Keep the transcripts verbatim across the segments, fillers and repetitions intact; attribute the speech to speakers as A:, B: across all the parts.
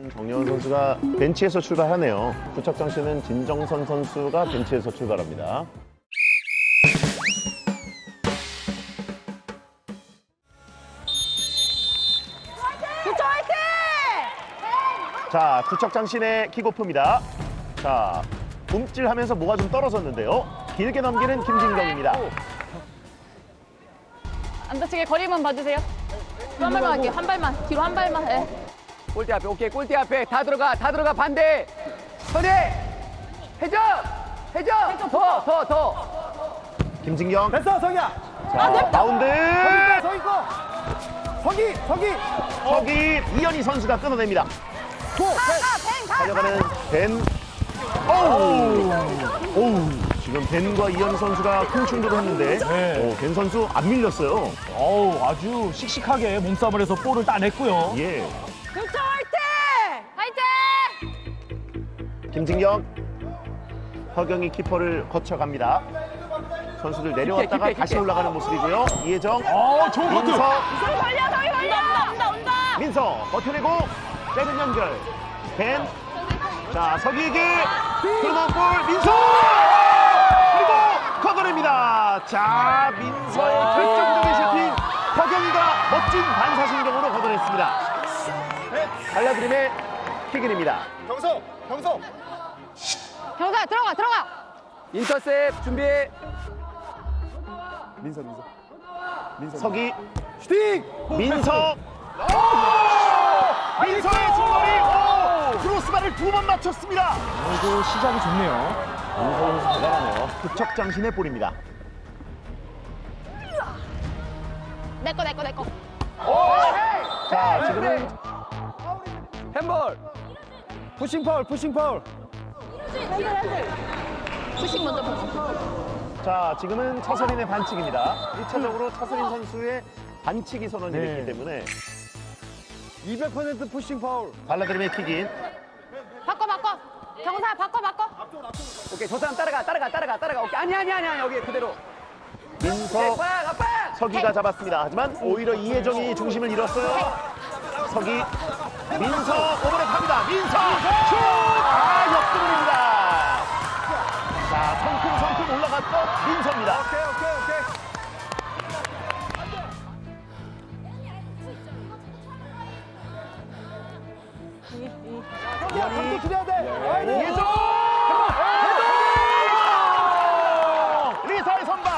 A: 정여운 선수가 벤치에서 출발하네요. 구척장신은 진정선 선수가 벤치에서 출발합니다.
B: 구청 화이팅!
A: 자, 구척장신의 킥오프입니다. 자, 움찔하면서 뭐가 좀 떨어졌는데요. 길게 넘기는 김진경입니다.
B: 안 다치게 거리만 봐주세요. 뒤로 한 발만 할게요. 한 발만. 뒤로 한 발만. 예.
C: 골대 앞에 오케이 골대 앞에 다 들어가 다 들어가 반대 선해 해줘 해줘 더 더 더
A: 김진경.
D: 됐어, 성희야.
A: 자, 바운드.
D: 서 있고. 서기, 서기.
A: 서기 이현희 선수가 끊어냅니다.
D: 고, 셋.
A: 달려가는 벤. 오우. 오우. 지금 벤과 이현희 선수가 큰 충돌을 했는데
D: 네.
A: 오, 벤 선수 안 밀렸어요.
D: 어우, 아주 씩씩하게 몸싸움을 해서 볼을 따냈고요.
A: 예.
B: 구청 화이팅! 화이팅!
A: 김진경. 허경이 키퍼를 거쳐갑니다. 선수들 내려왔다가
C: 깊게, 깊게,
A: 다시
C: 깊게.
A: 올라가는 모습이고요. 이혜정.
D: 어, 좋은 커트.
A: 민서.
B: 저기 걸려, 저기 걸려! 온다, 온다, 온다!
A: 민서 버텨내고 빼는 연결. 벤. 자, 서기에게 들어간 볼 민서. 그리고 걷어냅니다. 자, 민서의 결정적인 슈팅. 허경이가 멋진 반사신경으로 걷어냈습니다. 달라드림의 킥인입니다.
D: 경서, 경서.
B: 경사 들어가, 들어가!
C: 인터셉 준비해
D: 민서, 민서. 민서.
A: 서기.
D: 슈팅!
A: 민서. 민서의 중거리. 오! 크로스바를 두 번 맞췄습니다.
D: 그래도 시작이 좋네요.
A: 민서 선수 대단하네요. 구척장신의 볼입니다.
B: 내꺼, 내꺼, 내꺼.
A: 자, 지금은
C: 핸볼
D: 푸싱 파울, 푸싱 파울.
B: 푸싱 먼저 보고.
A: 자, 지금은 차선인의 반칙입니다. 일 차적으로 차선인 선수의 반칙이 선언이
D: 네.
A: 됐기 때문에
D: 이백 퍼센트 푸싱 파울.
A: 발라드림의 킥인.
B: 바꿔, 바꿔. 경사, 바꿔, 바꿔.
C: 오케이 저 사람 따라가 따라가 따라가 따라가 오케이 아니 아니 아니 아니 여기 그대로
A: 민서,
C: 아빠 아빠
A: 서기가 잡았습니다. 하지만 오히려 이혜정이 중심을 잃었어요. 서기, 민서 오버랩 합니다. 민서 슛! 아, 역습입니다. 자, 성큼성큼 올라갔던 민서입니다.
D: 오케이, 오케이, 오케이. 성희야, 감독 기대해야 돼. 아이, 네.
A: 이혜정! 리사의 선방!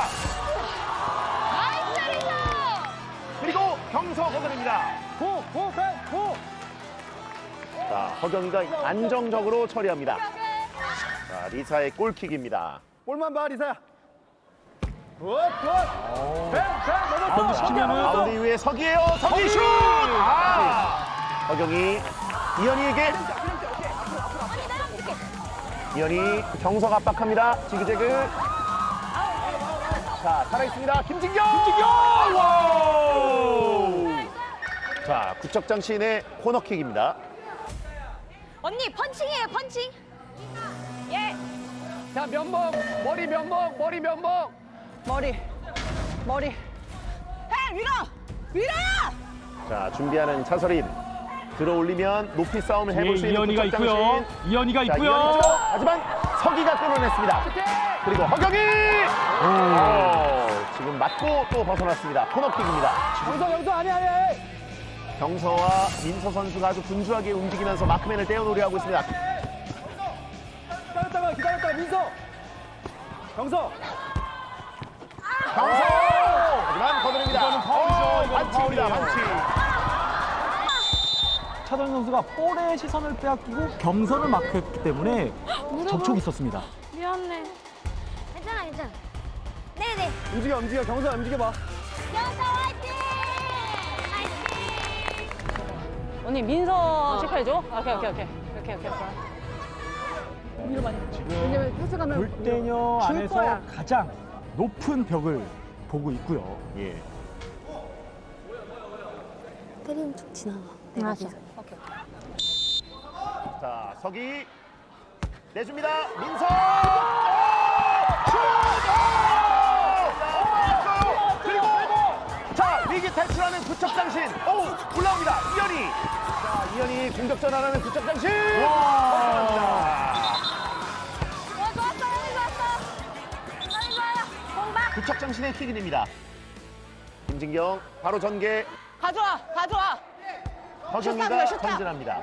B: 나이스, 리사!
A: 그리고 경서 걷어냅니다.
D: 고, 고, 팬, 고.
A: 자, 허경이가 안정적으로 처리합니다. 자, 리사의 골킥입니다.
D: 볼만 봐, 리사야. 굿, 굿. 팬, 팬,
A: 아,
D: 넘었어.
A: 시키면은 바운드 이후에 서기예요. 서기 슛! 아! 허경이 이현이에게 이현이 경석 압박합니다. 지그재그. 자, 살아있습니다. 김진경! 김진경! 와! 자, 구척장신의 코너킥입니다.
B: 언니, 펀칭이에요, 펀칭. 예.
C: 자 면봉 머리 면봉 머리 면봉
B: 머리, 머리. 해, 위로! 위로!
A: 자, 준비하는 차설인. 들어올리면 높이 싸움을 해볼 수 있는
D: 이현이가 있고요.
A: 구척장신.
D: 이현이가
A: 자,
D: 있고요.
A: 이현이 쪽. 하지만 서기가 끊어냈습니다. 그리고 허경이! 오, 지금 맞고 또 벗어났습니다. 코너킥입니다.
D: 경서, 경서, 아니, 아니, 아니.
A: 경서와 민서 선수가 아주 분주하게 움직이면서 마크맨을 떼어놓으려 하고 있습니다.
D: 기다렸다가, 기다렸다가, 민서. 경서.
A: 경서! 하지만 거드립니다.
D: 이거는 파울이죠.
A: 어,
D: 이거는
A: 반칙입니다.
D: 파울이에요.
A: 반칙.
E: 차도현 선수가 볼의 시선을 빼앗기고 경선을 마크했기 때문에 접촉이 있었습니다.
B: 미안해.
F: 괜찮아, 괜찮아. 네네.
D: 움직여, 움직여. 경서, 움직여봐.
F: 영서 화이팅! 화이팅!
B: 언니, 민서 체크해줘. 오케이, 오케이, 오케이. 오케이, 오케이, 오케이.
E: 골대녀 안에서 가장 높은 벽을 보고 있고요.
A: 예.
F: 때리면 쭉 지나가.
B: 알았어.
A: 자, 서기 내줍니다. 민서! 슛! 오! 그리고 자, 위기 탈출하는 구척장신. 오, 올라옵니다. 이현이. 이현이 공격 전환하는 구척 장신.
B: 어, 좋았어, 형이 좋았어. 형이 좋아요. 공박.
A: 구척 장신의 킥인입니다. 김진경 바로 전개.
B: 가져와, 가져와.
A: 허경이가
B: 슛 쏴줘요, 슛 쏴.
A: 전진합니다.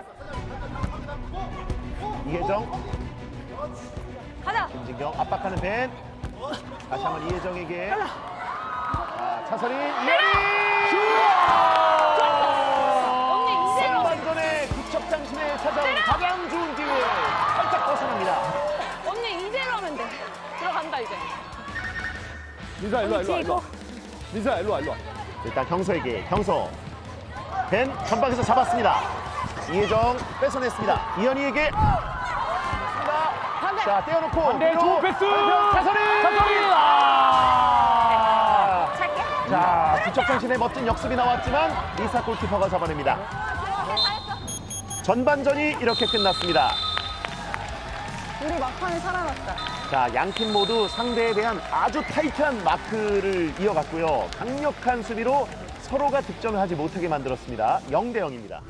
A: 이혜정,
B: 가자.
A: 김진경 압박하는 벤. 다시 한번 이혜정에게. 자, 차선이 이현이.
B: 언니, 이대로.
A: 선반전에 구척 장신에 찾아온 가장 좋은 기회. 살짝 벗어납니다.
B: 언니, 이대로 하면 돼. 들어간다, 이제.
D: 민서야 일로 와 일로 와 일로 와. 민서야 일로 와 일로 와.
A: 일단 경서에게 경서. 벤 전방에서 잡았습니다. 이혜정 뺏어냈습니다. 이현이에게. 자, 떼어놓고.
D: 반대
A: 뒤로.
D: 좋은 패스.
A: 차선이.
D: 차선이. 아.
B: 잘게.
A: 자, 구척 장신의 멋진 역습이 나왔지만 이사 골키퍼가 잡아냅니다.
B: 잘했어.
A: 전반전이 이렇게 끝났습니다.
B: 우리 막판에 살아났다.
A: 자, 양팀 모두 상대에 대한 아주 타이트한 마크를 이어갔고요. 강력한 수비로 서로가 득점을 하지 못하게 만들었습니다. 영 대 영입니다.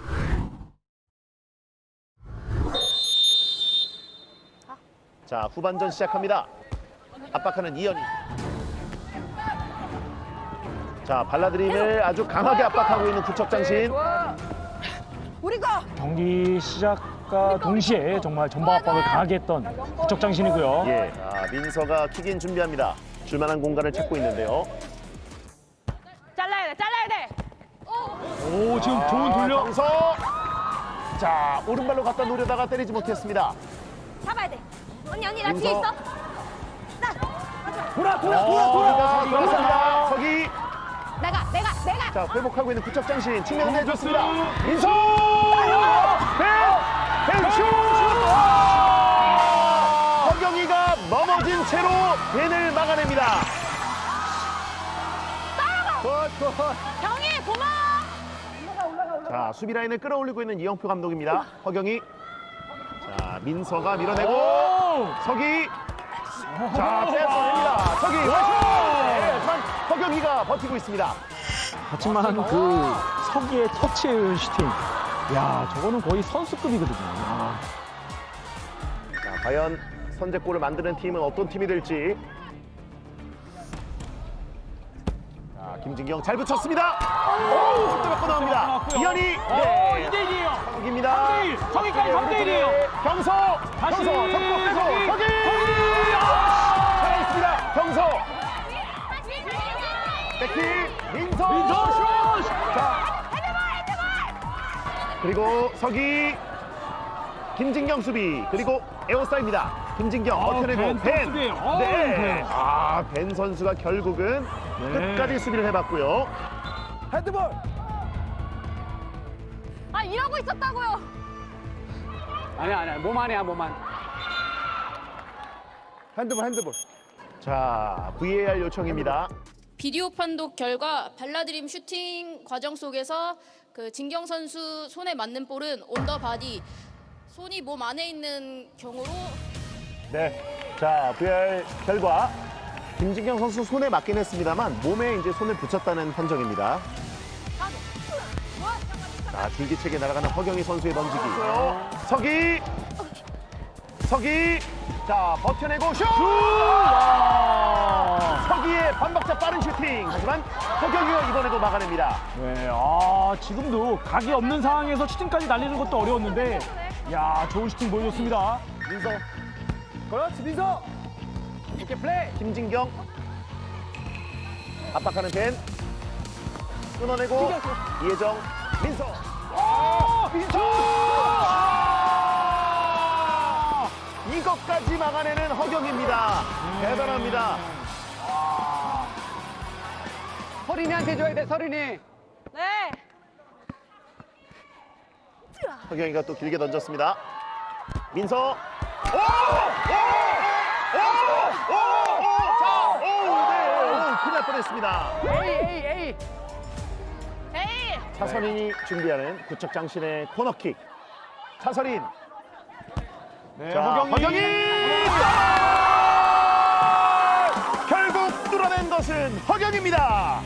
A: 자, 후반전 시작합니다. 압박하는 이현이. 자, 발라드림을 아주 강하게 압박하고 있는 구척장신.
B: 우리 거.
E: 경기 시작과 동시에 정말 전방 압박을 강하게 했던 구척장신이고요.
A: 예, 자, 민서가 킥인 준비합니다. 줄만한 공간을 찾고 있는데요.
B: 잘라야 돼, 잘라야 돼.
E: 오, 지금 좋은 돌려.
A: 경서. 자, 오른발로 갖다 노려다가 때리지 못했습니다.
F: 잡아야 돼. 언니 언니 나
A: 민서.
F: 뒤에 있어. 나.
D: 돌아 돌아
A: 어,
D: 돌아 돌아.
A: 서기 들어갑니다. 서기.
F: 내가 내가 내가.
A: 자, 회복하고 있는 구척장신 측면을 내줬습니다. 민서! 벤! 벤슛! 허경이가 넘어진 채로 벤을 막아냅니다.
B: 경희, 고마워.
A: 자, 수비 라인을 끌어올리고 있는 이영표 감독입니다. 허경이. 자, 민서가 밀어내고 서기. 자, 뺏어냅니다. 서기. 네, 하지만 허경이가 버티고 있습니다.
E: 하지만 그 서기의 터치의 슈팅. 야, 저거는 거의 선수급이거든요. 아.
A: 자, 과연 선제골을 만드는 팀은 어떤 팀이 될지. 자, 김진경 잘 붙였습니다. 오, 또 맞고 나옵니다. 이현이. 네.
D: 이 대 일이에요.
A: 서기입니다.
D: 삼 대 일, 서기까지 삼 대 일이에요.
A: 경서.
D: 다시.
A: 경서. 접고 빼서
D: 서기.
A: 서기. 살아있습니다. 경서. 백키. 민서.
D: 민서 슛.
A: 자. 그리고 서기. 김진경 수비. 그리고 에어사입니다. 김진경
E: 아,
A: 버텨내고
E: 벤
A: 벤.
E: 선수예요. 아,
A: 네.
E: 벤.
A: 아, 벤 선수가 결국은
E: 네.
A: 끝까지 수비를 해봤고요.
D: 핸드볼.
B: 아, 이러고 있었다고요.
C: 아니야 아니야 몸 안이야 몸 안.
D: 핸드볼 핸드볼.
A: 자, 브이에이알 요청입니다.
G: 비디오 판독 결과 발라드림 슈팅 과정 속에서 그 진경 선수 손에 맞는 볼은 온더 바디, 손이 몸 안에 있는 경우로
A: 네. 자, 브이아르 결과 김진경 선수 손에 맞긴 했습니다만 몸에 이제 손을 붙였다는 판정입니다. 자, 줄기차게 날아가는 허경희 선수의 던지기. 서기. 서기. 자, 버텨내고 슛! 서기의 반박자 빠른 슈팅. 하지만 허경희가 이번에도 막아냅니다.
E: 네, 아, 지금도 각이 없는 상황에서 슈팅까지 날리는 것도 어려웠는데, 야, 좋은 슈팅 보여줬습니다.
A: 민서.
D: 그렇지 민서.
C: 오케이 플레이.
A: 김진경. 압박하는 벤. 끊어내고 이혜정. 민서. 민서! 이것까지 막아내는 허경입니다. 대단합니다.
C: 서린이한테 줘야 돼 서린이.
B: 네.
A: 허경이가 또 길게 던졌습니다. 민서. 오! 오! 오! 오! 오! 자, 오! 네. 오, 큰일 날 뻔했습니다.
C: 에이 에이 에이.
B: 에이.
A: 차선인이 준비하는 구척장신의 코너킥. 차선인.
E: 네,
A: 자,
E: 허경이.
A: 허경이! 결국 뚫어낸 것은 허경입니다.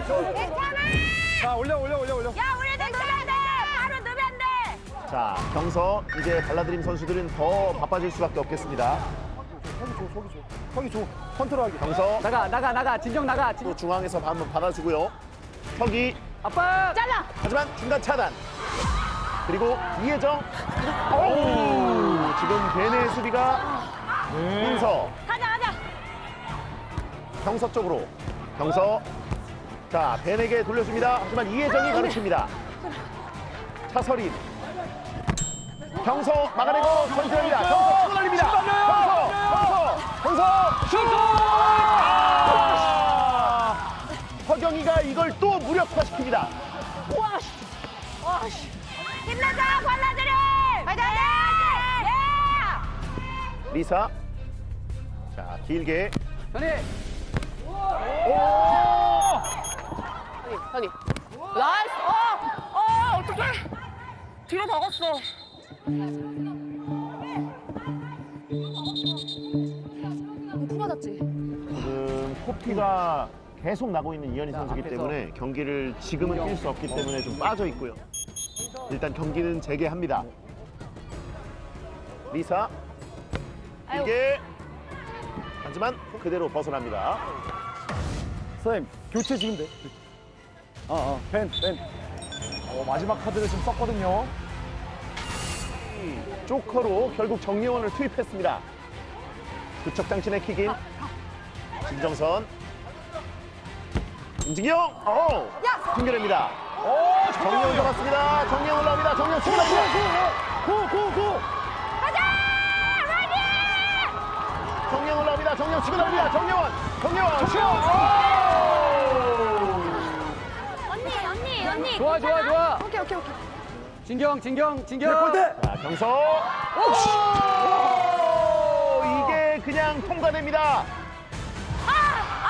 F: 괜찮아.
D: 자, 올려, 올려, 올려, 올려.
F: 야, 우리도 넣으면 돼. 바로 넣으면 돼.
A: 자, 경서 이제 발라드림 선수들은 더 바빠질 수밖에 없겠습니다.
D: 서기 줘, 서기 줘. 서기 줘. 컨트롤하게.
A: 경서
C: 나가 나가 나가 진정 나가 진...
A: 또 중앙에서 한번 받아주고요. 서기
C: 아빠
B: 잘라.
A: 하지만 중간 차단. 그리고 이혜정. 오, 지금 베네 수비가 민서.
F: 가자, 가자.
A: 경서 쪽으로. 경서. 자, 벤에게 돌려줍니다. 하지만 이혜정이 가르칩니다. 차서린. 경서 막아내고 선제합니다. 경서 치고 날립니다. 경서, 경서, 경서, 슛! 아! 허경이가 이걸 또 무력화시킵니다.
F: 힘내자, 발라드림. 화이팅! 예!
A: 리사. 자, 길게.
C: 현이
B: 여기. 나이스. 어, 어, 어떡해. 뒤로 박았어. 품 맞았지?
A: 지금 코피가 계속 나고 있는 이현희 선수이기
C: 앞에서.
A: 때문에 경기를 지금은 뛸 수 없기 때문에 좀 빠져 있고요. 일단 경기는 재개합니다. 리사. 길게. 하지만 그대로 벗어납니다.
D: 선생님, 교체 지금 돼. 어, 어, 벤, 벤.
E: 어, 마지막 카드를 지금 썼거든요.
A: 조커로 결국 정예원을 투입했습니다. 구척장신의 킥인. 진정선. 임진경. 어, 튕겨냅니다.
E: 오,
A: 정예원 잡았습니다. 정예원 올라옵니다. 정예원 치고 나옵니다.
E: 고, 고, 고.
A: 정예원 올라옵니다. 정예원 치고 나옵니다. 정예원. 정예원. 슛!
F: 언니, 언니, 언니.
C: 좋아 좋아 좋아
F: 오케이, 오케이, 오케이.
C: 진경 진경 진경
D: 골대.
A: 자, 경서. 오! 이게 그냥 통과됩니다.
F: 아! 아!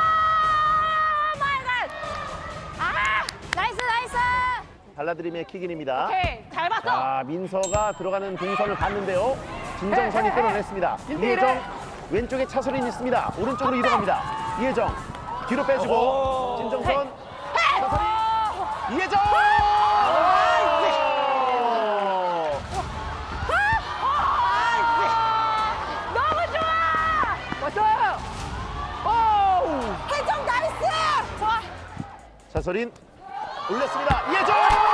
F: 마이 갓. 아! 나이스, 나이스.
A: 발라드림의 킥인입니다.
B: 오케이. 잘 봤어.
A: 자, 민서가 들어가는 동선을 봤는데요. 진정선이 끊어냈습니다. 이혜정 왼쪽에 차선이 있습니다. 오른쪽으로 이동합니다. 이혜정 뒤로 빼주고 진정선 차선이 이혜정.
F: 너무 좋아.
C: 왔어
F: 해정 나이스. 좋아.
A: 차선인 올렸습니다. 이혜정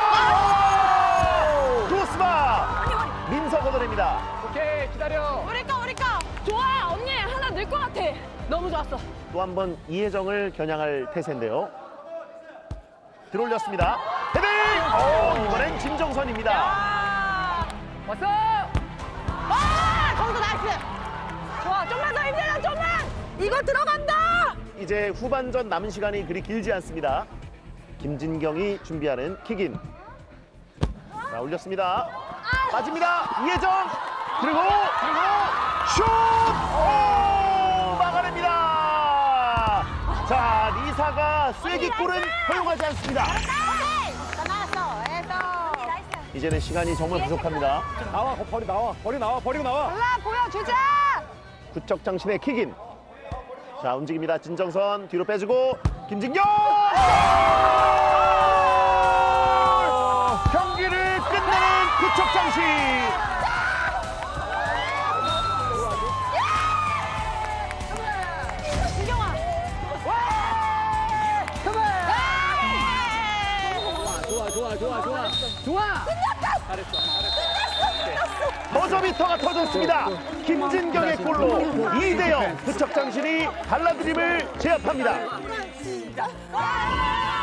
A: 크로스바 민서 걷어냅니다.
C: 오케이 기다려
B: 우리 거, 우리 거. 좋아. 언니 하나 넣을 것 같아. 너무 좋았어.
A: 또 한 번 이혜정을 겨냥할 태세인데요. 들어올렸습니다. 헤딩! 오, 이번엔 진정선입니다.
C: 왔어
B: 아, 거기서 나이스. 좋아. 좀만 더 힘내자. 좀만. 이거 들어간다.
A: 이제 후반전 남은 시간이 그리 길지 않습니다. 김진경이 준비하는 킥인. 자, 올렸습니다. 빠집니다. 이혜정. 그리고 그리고 슛! 오! 막아냅니다. 자, 리사가 쐐기골은 허용하지 않습니다.
F: 나 나왔어. 해서. 나이스.
A: 이제는 시간이 정말 부족합니다.
D: 나와, 거, 버리 나와. 버리 나와, 버리고 나와.
F: 올라 보여주자.
A: 구척장신의 킥인. 자, 움직입니다. 진정선 뒤로 빼주고 김진경! 경기를 끝내는 구척장신.
F: 진경아.
C: 좋아 좋아 좋아 좋아 좋아
A: 버저비터가 터졌습니다. 김진경의 골로 이 대 영 구척장신이 발라드림을 제압합니다.
F: 와!